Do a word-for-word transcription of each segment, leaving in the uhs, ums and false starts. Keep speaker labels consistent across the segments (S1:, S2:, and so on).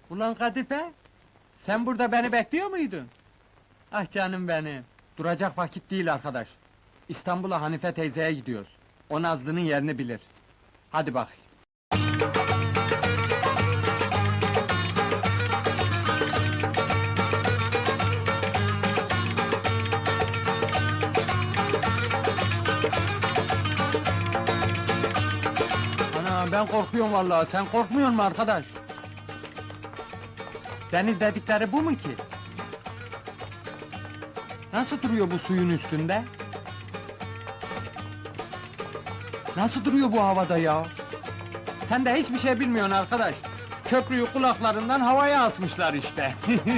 S1: Ulan Kadife, sen burada beni bekliyor muydun? Ah canım benim, duracak vakit değil arkadaş. İstanbul'a Hanife teyzeye gidiyoruz. O Nazlı'nın yerini bilir. Hadi bak. Ana ben korkuyorum vallahi, sen korkmuyor musun arkadaş? Deniz dedikleri bu mu ki? Nasıl duruyor bu suyun üstünde? Nasıl duruyor bu havada ya? Sen de hiçbir şey bilmiyorsun arkadaş. Köprüyü kulaklarından havaya asmışlar işte.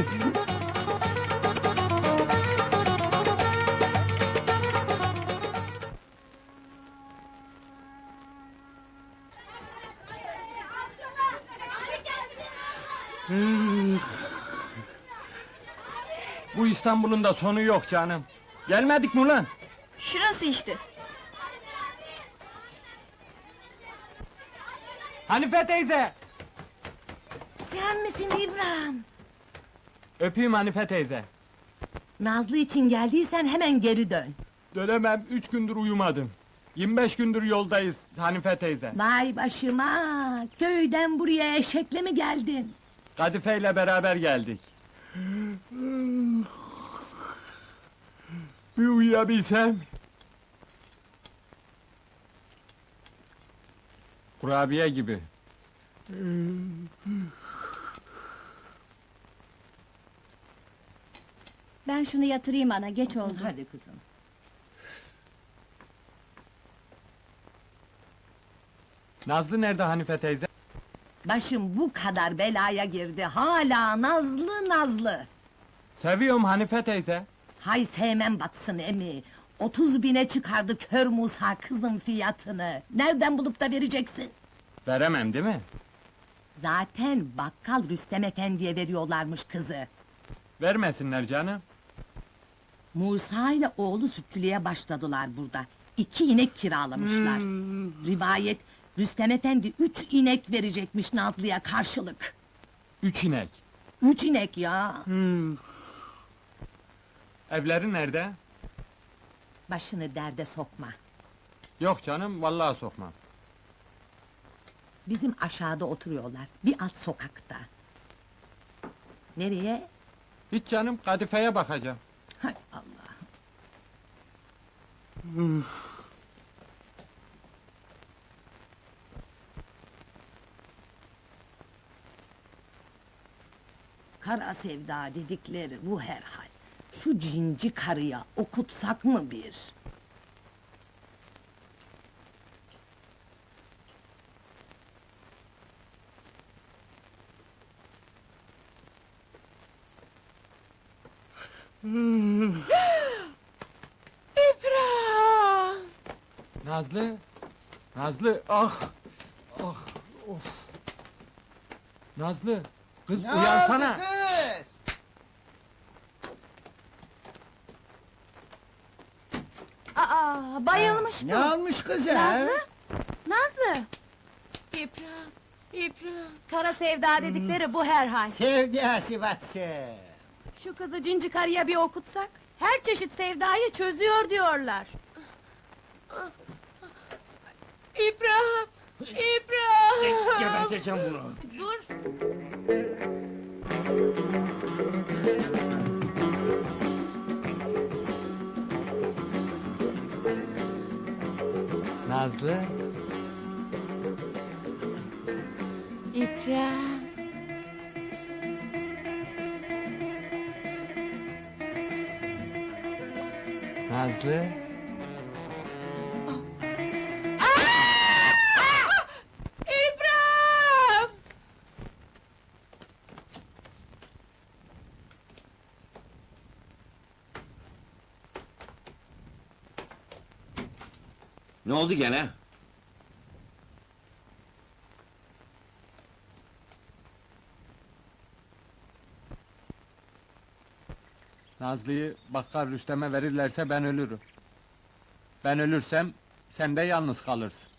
S1: Bu İstanbul'un da sonu yok canım. Gelmedik mi ulan?
S2: Şurası işte.
S1: Hanife teyze!
S3: Sen misin İbrahim?
S1: Öpeyim Hanife teyze.
S3: Nazlı için geldiysen hemen geri dön.
S1: Dönemem, üç gündür uyumadım. Yirmi beş gündür yoldayız Hanife teyze.
S3: Vay başıma! Köyden buraya eşekle mi geldin?
S1: Kadife ile beraber geldik. Bir uyuyabilsem. Kurabiye gibi.
S2: Ben şunu yatırayım ana, geç oldu.
S3: Hadi kızım.
S1: Nazlı nerede Hanife teyze?
S3: Başım bu kadar belaya girdi, hala nazlı nazlı!
S1: Seviyorum Hanife teyze.
S3: Hay sevmem batsın emi! Otuz bine çıkardı kör Musa kızın fiyatını! Nereden bulup da vereceksin?
S1: Veremem değil mi?
S3: Zaten bakkal Rüstem Efendi'ye veriyorlarmış kızı!
S1: Vermesinler canım.
S3: Musa ile oğlu sütçülüğe başladılar burada. İki inek kiralamışlar. Rivayet, Rüstem Efendi üç inek verecekmiş Nazlı'ya karşılık.
S1: Üç inek.
S3: Üç inek ya!
S1: Evleri nerede?
S3: Başını derde sokma.
S1: Yok canım, vallahi sokmam.
S3: Bizim aşağıda oturuyorlar, bir alt sokakta. Nereye?
S1: Hiç canım, Kadife'ye bakacağım.
S3: Hay Allah! Kara sevda dedikleri bu herhal. Şu cinci karıya okutsak mı bir?
S2: İbrahim!
S1: Nazlı! Nazlı, ah! Ah, of! Nazlı, kız uyansana!
S4: kız?
S2: Aa, bayılmış
S4: Ne
S2: bu!
S4: almış kızı?
S2: Nazlı? Nazlı! İbrahim, İbrahim! Kara sevda dedikleri bu herhal.
S4: Sevdası batsın.
S2: Şu kızı cinci karıya bir okutsak, her çeşit sevdayı çözüyor diyorlar. İbrahim! İbrahim!
S4: Geberteceğim bunu.
S2: Dur!
S1: Nazlı,
S2: İbrahim!
S1: Nazlı...
S2: İbrahim!
S5: Ne oldu gene?
S1: Nazlı'yı bakkal Rüstem'e verirlerse ben ölürüm. Ben ölürsem, sen de yalnız kalırsın.